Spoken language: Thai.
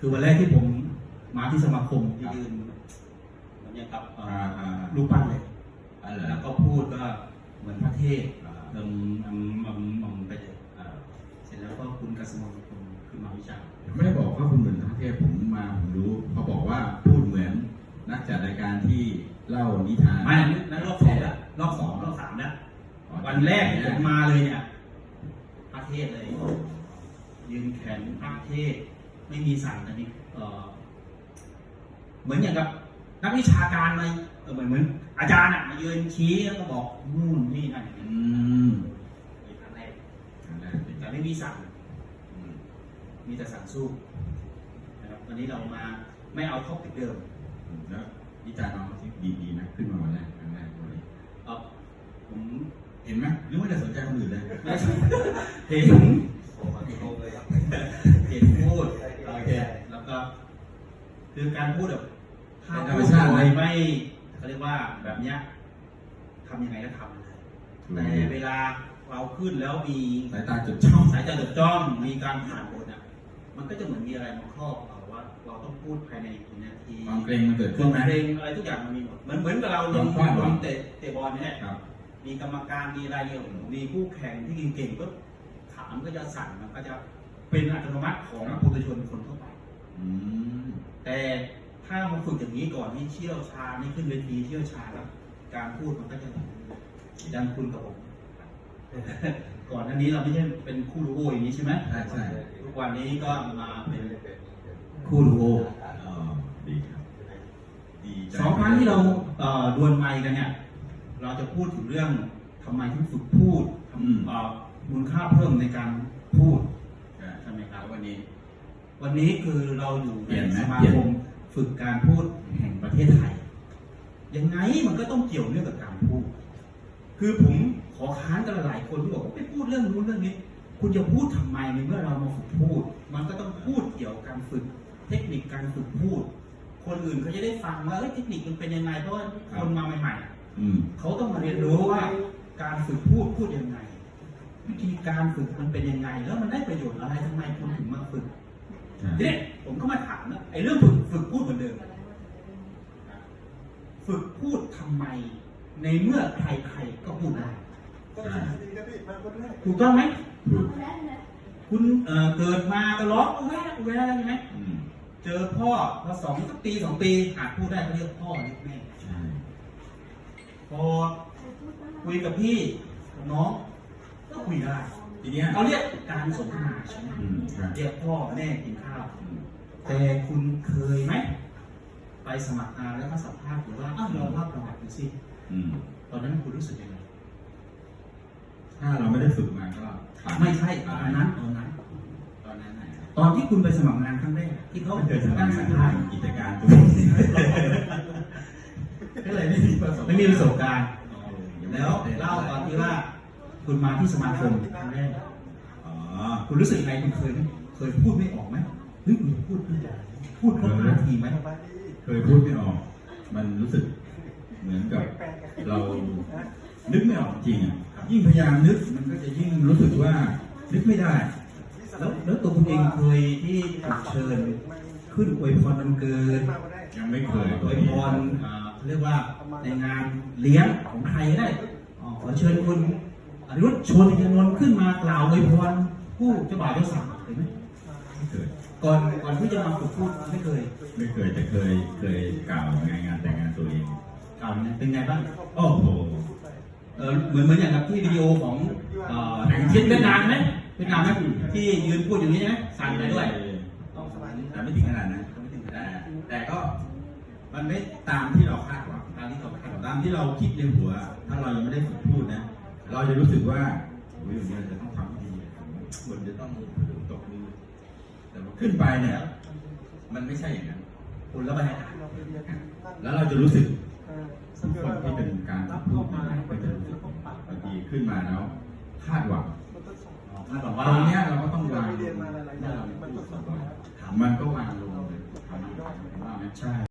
คือวันแรกที่ผมมาที่สมาคมที่ยืนเนี่ยกับรูปปั้นเลยแล้วก็พูดก็เหมือนพระเทพไปเลยเสร็จแล้วก็คุณกษมลคุณขึ้นมาวิจารณ์ไม่ได้บอกว่าคุณเหมือนพระเทพผมรู้เขาบอกว่าพูดเหมือนนักจัดรายการที่เล่านิทานไม่นั่นรอบ2แล้วรอบ2รอบ3แล้ววันแรกผมมาเลยเนี่ยพระเทพเลยยืนแขนพระเทพไม่มีสั่นอันนี้เหมือนอย่างกับนักวิชาการมาเหมือนอาจารย์มายืนชี้แล้วก็บอกนู่นนี่นั่นครั้งแรกแต่ไม่มีสั่งมีแต่สั่งสู้นะครับวันนี้เรามาไม่เอาท็อปิกเดิมแล้ววิจารณ์น้องที่ดีๆนะขึ้นมาวันแรกครั้งแรกเลยผมเห็นไหมหรือว่าจะสนใจคนอื่นเลยเห็นพูดโอเคแล้วก็คือการพูดแบบถ้าพูดไม่เขาเรียกว่าแบบเนี้ยทำยังไงก็ทำเลยแต่เวลาเราขึ้นแล้วมีสายตาจดจ้องมีการผ่านบทมันก็จะเหมือนมีอะไรมาครอบเราว่าเราต้องพูดภายในกี่นาทีความเกรงมันเกิดขึ้นไหมเกรงอะไรทุกอย่างมันมีหมดเหมือนกับเราลงเตะบอลเนี่ยมีกรรมการมีอะไรอยู่มีคู่แข่งที่เก่งๆก็ขามันก็จะสั่นมันก็จะเป็นอัตโนมัติของปุถุชนคนทั่วไปแต่ถ้ามาฝึกอย่างนี้ก่อนนี่เชี่ยวชาญนี่ขึ้นเวทีเชี่ยวชาญแล้วการพูดมันก็จะดังคุณกับผมก่อนหน้านี้เราไม่ใช่เป็นคู่ดูโออย่างนี้ใช่ไหมใช่ทุกวันนี้ก็มาเป็นคู่ดูโอดีครับ 2 ครั้งที่เราดวลไมค์กันเนี่ยเราจะพูดถึงเรื่องทำไมถึงฝึกพูดมูลค่าเพิ่มในการพูดใช่ไหมครับวันนี้คือเราอยู่ในสมาคมฝึกการพูดแห่งประเทศไทยยังไงมันก็ต้องเกี่ยวเนื่องกับการพูดคือผมขอค้านกันหลายคนที่บอกว่าไปพูดเรื่องนู้นเรื่องนี้คุณจะพูดทำไมในเมื่อเรามาฝึกพูดมันก็ต้องพูดเกี่ยวกับการฝึกเทคนิคการฝึกพูดคนอื่นเขาจะได้ฟังว่าเทคนิคมันเป็นยังไงเพราะว่าคนมาใหม่ๆเขาต้องมาเรียนรู้ว่าการฝึกพูดยังไงวิธีการฝึกมันเป็นยังไงแล้วมันได้ประโยชน์อะไรทำไมคุณถึงมาฝึกทีนี้ผมก็มาถามนะไอ้เรื่องฝึกพูดเหมือนเดิมฝึกพูดทำไมในเมื่อใครๆก็พูดได้ถูกต้องไหมคุณเกิดมาก็ร้องแวะใช่ไหมเจอพ่อพอ2 ปีอาจพูดได้เขาเรียกพ่อเรียกแม่พอคุยกับพี่น้องก็คุยได้ทีนี้เขาเรียกการสนทนาใช่ไหมเรียกพ่อแม่กินข้าวแต่คุณเคยไหมไปสมัครงานแล้วก็สัมภาษณ์หรือว่าเราเล่าประวัติดูสิตอนนั้นคุณรู้สึกยังไงถ้าเราไม่ได้ฝึกมาก็ไม่ใช่ตอนนั้นตอนที่คุณไปสมัครงานครั้งแรกที่เขาเคยตั้งสัมภาษณ์กิจการตัวก็เลยไม่มีประสบการณ์แล้วเล่าตอนที่ว่าคุณมาที่สมาคมครั้งแรกคุณรู้สึกยังไงคุณเคยพูดไม่ออกไหมเฮ้ยคุณพูดครบ5 นาทีไหมเคยพูดไม่ออกมันรู้สึกเหมือนกับเรานึกไม่ออกจริงยิ่งพยายามนึกมันก็จะยิ่งรู้สึกว่านึกไม่ได้แล้วตัวคุณเองเคยที่ถูกเชิญขึ้นอวยพรวันเกิดยังไม่เคยอวยพรเรียกว่าในงานเลี้ยงของใครได้ขอเชิญคุณอนุรุตชวนยานนท์ขึ้นมากล่าวอวยพรผู้เจ้าบ่าวเจ้าสาวเคยไหมไม่เคยก่อนที่จะมาฝึกพูดไม่เคยแต่เคยกล่าวงานแต่งงานตัวเองกล่าวเป็นไงบ้างโอ้โหเหมือนอย่างกับที่วิดีโอของเวียดนามไหมที่ยืนพูดอย่างนี้ใช่ไหมสั่นไปด้วยแต่ไม่ถึงขนาดนั้นแต่ก็มันไม่ตามที่เราคาดหวังตามที่เราคิดในหัวถ้าเรายังไม่ได้ฝึกพูดนะเราจะรู้สึกว่าโอ้ยเราจะต้องทำดีคนจะต้องตกมือแต่ขึ้นไปเนี่ยมันไม่ใช่อย่างนั้นคุณแล้วบรรยากาศแล้วเราจะรู้สึกคนที่เป็นการพูดก็จะรู้สึกบางทีขึ้นมาแล้วคาดหวังว่าตรงนี้เราก็ต้องวางมันก็วางลงเลยทำว่าไม่ใช่